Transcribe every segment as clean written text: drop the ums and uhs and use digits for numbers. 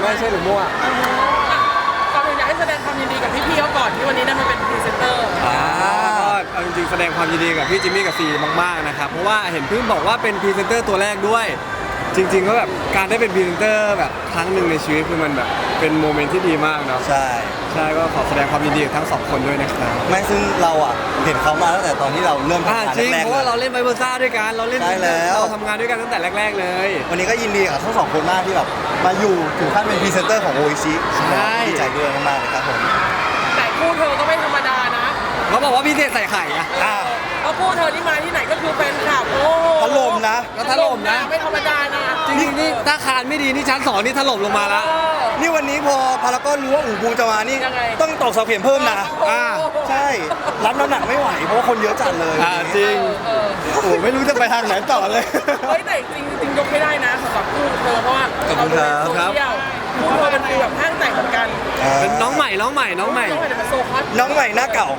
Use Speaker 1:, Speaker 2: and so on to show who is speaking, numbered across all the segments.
Speaker 1: ไม่ใช่หรือมั่ว
Speaker 2: ก่อนอื่นอยากให้แสดงความยินดีกับพี่ๆเขาก่อนที่วันนี้ได้มาเป็นพรีเซนเตอร์
Speaker 1: ก็เอาจริงๆแสดงความยินดีกับพี่จิมมี่กับซีมากๆนะครับเพราะว่าเห็นเพิ่งบอกว่าเป็นพรีเซนเตอร์ตัวแรกด้วยจริงๆก็แบบการได้เป็นพรีเซนเตอร์แบบครั้งหนึ่งในชีวิตคือมันแบบเป็นโมเมนต์ที่ดีมากเนาะ
Speaker 3: ใช่
Speaker 1: ก็ขอแสดงความยินดีกับทั้งสองคนด้วยนะครับ
Speaker 3: ไม่ซึ่งเราเห็นเขามาตั้งแต่ตอนที่เราเริ่มทำงาน
Speaker 1: จริง
Speaker 3: แรกๆ
Speaker 1: เพราะว่าเราเล่นไบเบอร์ซ่าด้วยกันเราเล่นเราทำงานด้วยกันตั้งแต่แรกๆเลย
Speaker 3: วันนี้ก็ยินดีกับทั้งสองคนมากที่แบบมาอยู่ถึงขั้นเป็นพรีเซนเตอร์ของโออิชิดีใจด้วยมากๆเลยครับผม
Speaker 2: แต่คู่เธอก็ไม่ธรรมดานะ
Speaker 1: เขาบอกว่าพิเศษใส่ไข่อะ
Speaker 2: เพราะคู่เธอที่มาที่ไหนก็คือแฟนคลับโอ้
Speaker 3: ถล่มนะ
Speaker 1: ก็ถล่มนะ
Speaker 2: ไม่ธรรมดานะ
Speaker 1: จริงๆนี่ถ้าคานไม่ดีนี่ชั้น2นี่ถล่มลงมาแล้ว
Speaker 3: นี่วันนี้พอพารากอนรู้ว่าอู่บูจะมานี่ต้องตอกเสาเข็มเพิ่มนะใช่รับน้ำหนักไม่ไหวเพราะว่าคนเยอะจัดเลย
Speaker 1: จริงโอ้ไม่รู้จะไปทางไหนต่อเลย
Speaker 2: เฮ้ยแต่จริงยกไม่ได้นะสำหรับคู่เธอเพราะว่าเราดูในโซเชียลคู่เธอเป็นฟีลแบบห้างแต่งเหมือนกัน
Speaker 1: เป็นน้องใหม่เป็น
Speaker 3: โซคอสน้องใหม่หน้าเก่า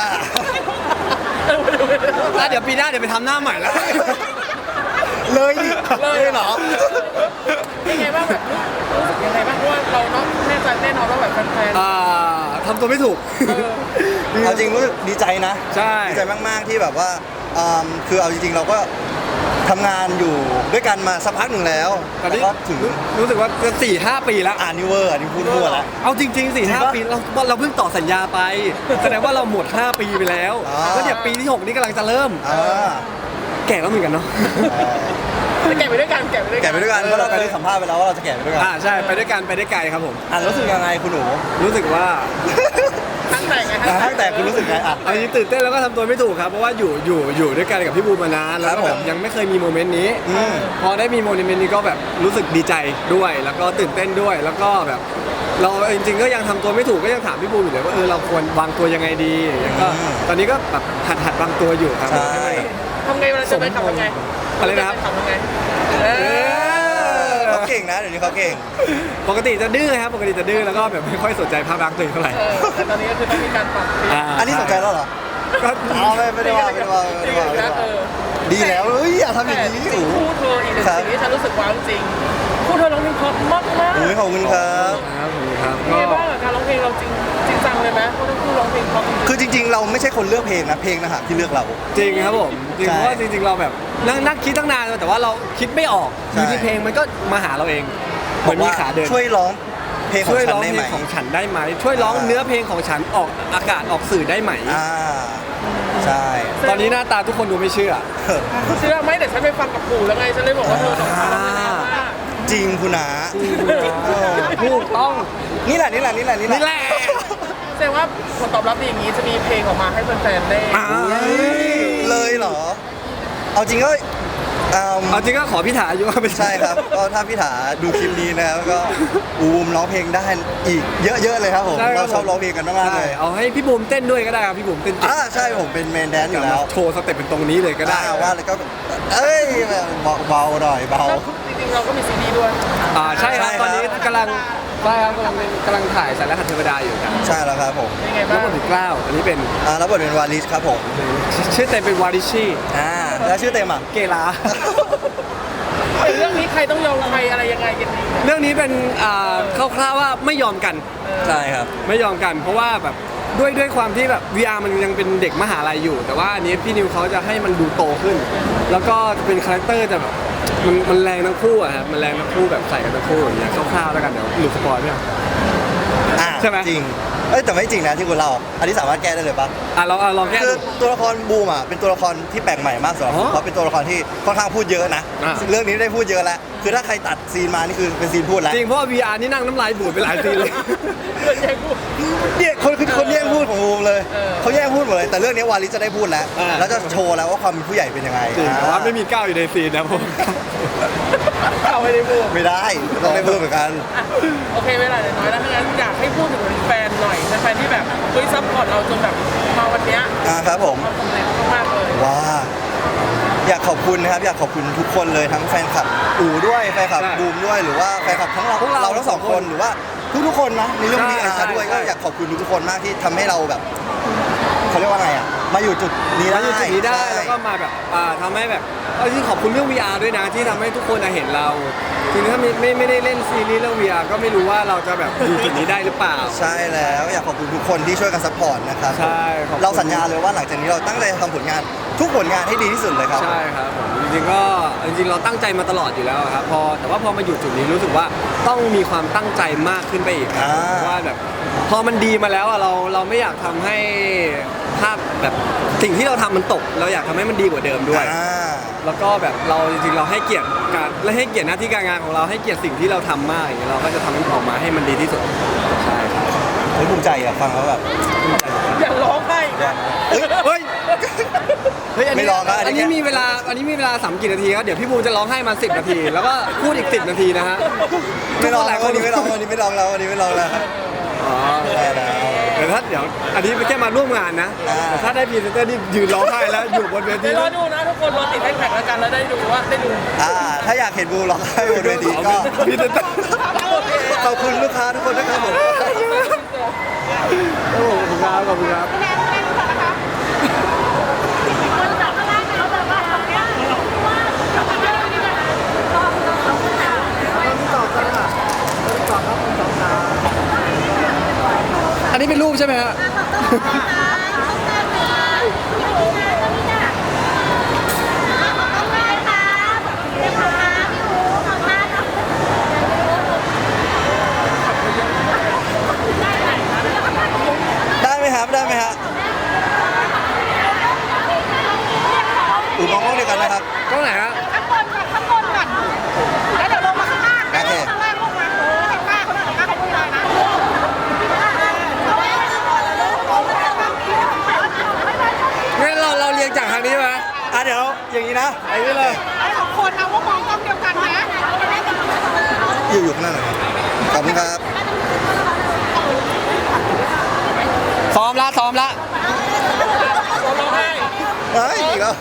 Speaker 1: เดี๋ยวปีหน้าเดี๋ยวไปทำหน้าใหม่แล้ว
Speaker 3: เลยเหรอ
Speaker 2: ยังไงบ้างแบบรู้สึกยังไงบ้างเพราะว่าเราเนาะแน่นอนว่าแบบแฟน
Speaker 1: ทำตัวไม่ถูก
Speaker 3: เอาจริงรู้สึกดีใจนะ
Speaker 1: ใช่
Speaker 3: ดีใจมากๆที่แบบว่าคือเอาจริงๆเราก็ทำงานอยู่ด้วยกันมาสักพักหนึ่งแล้ว
Speaker 1: แต่ก็ถึงรู้สึกว่าจะ4-5 ปีแล้ว
Speaker 3: นี่พูดมั่วแล้ว
Speaker 1: เอาจริงๆ4-5 ปีเราเพิ่งต่อสัญญาไปแสดงว่าเราหมด5 ปีไปแล้วแล้วเดี๋ยวปีที่6นี่กำลังจะเริ่มแก่แล้วเหมือนกันเนาะ
Speaker 2: แก่ไปด้วยกัน
Speaker 3: เพราะเราเคยสัมภาษณ์ไปแล้วว่าเราจะแก่ไปด้วยกัน
Speaker 1: ใช่ไปด้วยกันไปได้ไกลครับผม
Speaker 3: รู้สึกยังไงคุณหนู
Speaker 1: รู้สึกว่า
Speaker 2: ทั้งแต่ไง
Speaker 3: ทั้งแต่คุณรู้สึกไง
Speaker 1: อันนี้ตื่นเต้นแล้วก็ทำตัวไม่ถูกครับเพราะว่าอยู่ด้วยกันกับพี่บูมมานานแล้วแบบยังไม่เคยมีโมเมนต์นี้พอได้มีโมเมนต์นี้ก็แบบรู้สึกดีใจด้วยแล้วก็ตื่นเต้นด้วยแล้วก็แบบเราจริงๆก็ยังทำตัวไม่ถูกก็ยังถามพี่บูมอยู่เลยว่าเราควรวางตัวยังไงดีก็ตอนนี้ก็แบบหัดวางตัวอยู่ครับ
Speaker 2: ทำไงเวลาจะไปขับยังไง
Speaker 1: อะไรนะครับ
Speaker 3: เขาเก่งนะเดี๋ยวนี้เขาเก่ง
Speaker 1: ปกติจะดื้อครับปกติจะดื้อแล้วก็แบบไม่ค่อยสนใจภาพลักษณ์ตัวเองเท่าไหร่
Speaker 2: แต่ตอนนี้ก็คือต้องมีการปรับ
Speaker 3: อันนี้สนใจแล้วเหรอ
Speaker 1: ก็
Speaker 3: ไม่ได้ว่าดีแล้วอย่าทำอย่างนี้
Speaker 2: คู่เธออีกหนึ่งสิ่งที่ฉันรู้สึกว้าวจริงคู่เธอร้องเพลงเพราะมาก
Speaker 3: ขอบคุณครับ
Speaker 2: เป็นไงบ้างกับการร้องเพลงเราจริงจังเลยไหมเพราะทั้งคู่ร้องเพลงเพราะ
Speaker 3: คือจริงๆเราไม่ใช่คนเลือกเพลงนะเพลงนะฮะที่เลือกเรา
Speaker 1: จริงครับผมจริงเพราะว่าจริงๆเราแบบนั่งคิดตั้งนานแต่ว่าเราคิดไม่ออกอยู่ที่เพลงมันก็มาหาเราเองเหมือนมีขาเดิน
Speaker 3: ช่วยร้องเพลง
Speaker 1: ของฉันได้ไหมช่วยร้องเนื้อเพลงของฉันออกอากาศออกสื่อได้ไหม
Speaker 3: ใช่
Speaker 1: ตอนนี้หน้าตาทุกคนดูไม่เชื่อ
Speaker 2: ไหมแต่ฉันไปฟังกับปู่แล้วไงฉันเลยบอกว่าเธอสองคนร้องได้
Speaker 3: จริงคุณนา
Speaker 1: ถูกต้อง
Speaker 3: นี่แหละ
Speaker 2: แสดงว่าผลตอบรับดีอย่างนี้จะมีเพลงออกมาให้แฟนๆได้
Speaker 3: เลยเหรอเอาจริงก็
Speaker 1: ขอพี่ถาอยู่ว่าเป็น
Speaker 3: ใช่ครับก็ถ้าพี่ถาดูคลิปนี้นะครับก็บูมร้องเพลงได้อีกเยอะๆเลยครับผมเราชอบร้องเพลงกันมากเลย
Speaker 1: เอาให้พี่บูมเต้นด้วยก็ได้ครับพี่บูมเต้น
Speaker 3: ใช่ผมเป็นเมนแดนอยู่แล้ว
Speaker 1: โชว์สเต็ปเป็นตรงนี้เลยก็ได้
Speaker 3: ว่าแล้วก็เบาหน่อยเบา
Speaker 2: จริงๆเราก็มีซีดีด้วย
Speaker 1: ใช่ครับตอนนี้กำลังถ่ายสารคดีเทวดาอยู่ครับ
Speaker 3: ใช่แล้วครับผม
Speaker 1: รับบทเป็นกล้าวอันนี้เป็น
Speaker 3: รับบทเป็นวาลิชครับผม
Speaker 1: ชื่อเต็มเป็นวาริชี่
Speaker 3: แล้วชื่อเต็ม
Speaker 1: เกลา
Speaker 2: เรื่องนี้ใครต้องยอมใครอะไรยังไงกัน
Speaker 1: เรื่องนี้เป็นคร่าวๆว่าไม่ยอมกัน
Speaker 3: ใช่ครับ
Speaker 1: ไม่ยอมกันเพราะว่าแบบด้วยความที่แบบ VR มันยังเป็นเด็กมหาลัยอยู่แต่ว่าอันนี้พี่นิวเขาจะให้มันดูโตขึ้นแล้วก็เป็นคาแรคเตอร์จะแบบมันแรงทั้งคู่อะครับมันแรงทั้งคู่แบบใส่กันทั้งคู่อย่างเงี้ยคร่าวๆแล้วกันเดี๋ยวหลุดสปอยล์ไม่เอาใช่ไหม
Speaker 3: จริงแต่ไม่จริงนะที่คุณเล่าอันนี้สามารถแก้ได้เลยปะ
Speaker 1: เราลองแก้
Speaker 3: คือตัวละครบูมเป็นตัวละครที่แปลกใหม่มากสำหรับเพราะเป็นตัวละครที่ค่อนข้างพูดเยอะนะเรื่องนี้ได้พูดเยอะแล้วคือถ้าใครตัดซีนมานี่คือเป็นซีนพูดแล้ว
Speaker 1: จริงเพราะ VR นี่นั่งน้ำลายบูดไปหลายซีนเลย
Speaker 3: เนี่ยคนแย่งพูดของบูมเลยเขาแย่งพูดหมดเลยแต่เรื่องนี้วาลิจะได้พูดแล้วจะโชว์แล้วว่าความเป็นผู้ใหญ่เป็นยังไง
Speaker 1: แต่ว่าไม่มีก้าวอยู่ในซีนนะผม
Speaker 2: ก้าวไม่ได้พูด
Speaker 3: ไม่ได้ต้องได้พูดเหมือนกัน
Speaker 2: โอเคเวลาน้อยแล้วงั้นอยากให้พูดถึงแฟนหน่อยแฟนที่แบบซัพพอร์ตเราจนแบบมาวันนี้
Speaker 3: ครับผม
Speaker 2: สำเร็จมากเลย
Speaker 3: ว้าอยากขอบคุณนะครับอยากขอบคุณทุกคนเลยทั้งแฟนคลับอู๋ด้วยแฟนคลับบูมด้วยหรือว่าแฟนคลับทั้งเราทั้งสองคนหรือว่าทุกคนนะในเรื่องนี้ไอ้ชาด้วยก็อยากขอบคุณทุกคนมากที่ทำให้เราแบบเขาเรียกว่าไงมาอยู่จุดนี้ได้
Speaker 1: มาอยู่จุดนี้ได้
Speaker 3: ใช่
Speaker 1: แล้วก็มาแบบทำให้แบบจริงๆขอบคุณเรื่อง VR ด้วยนะที่ทำให้ทุกคนเห็นเราจริงๆถ้าไม่ได้เล่นซีรีส์เรื่อง VR ก็ไม่รู้ว่าเราจะแบบอยู่จุดนี้ได้หรือเปล่า
Speaker 3: ใช่แล้วอยากขอบคุณทุกคนที่ช่วยกันซัพพอร์ตนะครับ
Speaker 1: ใช่ขอบคุณ
Speaker 3: เราสัญญาเลยว่าหลังจากนี้เราตั้งใจทำผลงานทุกผลงานให้ดีที่สุดเลยครับ
Speaker 1: ใช่ครับผมจริงๆก็จริงๆเราตั้งใจมาตลอดอยู่แล้วครับแต่ว่าพอมาอยู่จุดนี้รู้สึกว่าต้องมีความตั้งใจมากขึ้นไปอีกครับเพราะว่าแบบพอมันดีมาแล้วเราไม่อยากทำให้ภาพแบบสิ่งที่เราทำมันตก เราอยากทำให้มันดีกว่าเดิมด้วย แล้วก็แบบเราจริงๆเราให้เกียรติการและให้เกียรติหน้าที่การงานของเราให้เกียรติสิ่งที่เราทำมากอย่างเงี้ยเราก็จะทำมันออกมาให้มันดีที่สุดใช่ครับ
Speaker 3: เฮ้ยภูมิใจอะฟังแล้วแบบ
Speaker 2: อย่าร้องไห้อีกนะ
Speaker 1: เฮ้ยอัน
Speaker 3: ไม่
Speaker 1: นี้
Speaker 3: ร้องนะอั
Speaker 1: อั
Speaker 3: น
Speaker 1: น
Speaker 3: นี้
Speaker 1: นี้มีเวลา3กี่นาทีครับเดี๋ยวพี่บูมจะร้องให้มา10 นาที แล้วก็พูดอีก10 นาทีนะฮะ
Speaker 3: ไม่ร้อง
Speaker 1: ห
Speaker 3: แล้
Speaker 1: ลายว คน
Speaker 3: วันนี้ไม่ร้องวันนี้ไม่ร้องแล้ววันนี้ไม่ร้องแล้ว
Speaker 1: อ๋อ
Speaker 3: ได้แล้ว
Speaker 1: เดี๋ยวอันนี้แค่มาร่วมงานนะแต่ถ้าได้พรีเซนเตอร์นี่ยืนร้องไห้แล้วอยู่บนเวที
Speaker 2: เดี๋ยวรอดูนะทุกคนรอติดแฮชแท็กแล้วกันแล้วได้ดูว่าได้ดู
Speaker 3: ถ้าอยากเห็นบูร้องไห้บนเวทีก็
Speaker 1: พรีเซนเตอร์
Speaker 3: ขอบคุณลูกค้าทุกคนนะครับผม
Speaker 1: โอ้โหขอบคุณครับ อันนี้เป็นรูปใช่ไหมฮะ
Speaker 3: ได้ไหมครับได้ไหมฮะมองกล้องเดียวกันนะครับ
Speaker 1: กล้องไหนฮะ
Speaker 4: ข้างบนก่อนข้างบนก่อนแล้วเดี๋ยวลงมาข้างล่างนะข้างล่างลงมาข้างล่างเขาหน่อยข้างล่างเขาพูดอะไรนะ
Speaker 1: งั้นเราเรียงจากทางนี้ไหม
Speaker 3: เดี๋ยวอย่างนี้นะ
Speaker 1: ไอ้นี่เลย
Speaker 4: ไอ้ของคนนะว่ามองกล้องเดียวกันนะ
Speaker 3: อยู่ข้างหน้าหน่อยครับขอบคุณครับ
Speaker 1: ซ้อมละ
Speaker 2: ร้องไห้
Speaker 3: เฮ้ยอีกแล้ว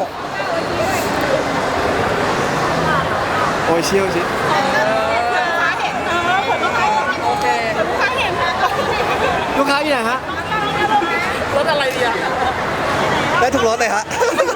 Speaker 1: โอ้ยเชี่ยวชิ
Speaker 4: ขาเห็นผลลูกค้า
Speaker 2: โอเค
Speaker 4: ขาเห็นนะ
Speaker 1: ลูกค้าอยู่ไหนฮะ
Speaker 2: รถอะไรดีอะ
Speaker 3: ได้ทุกรถเลยฮะ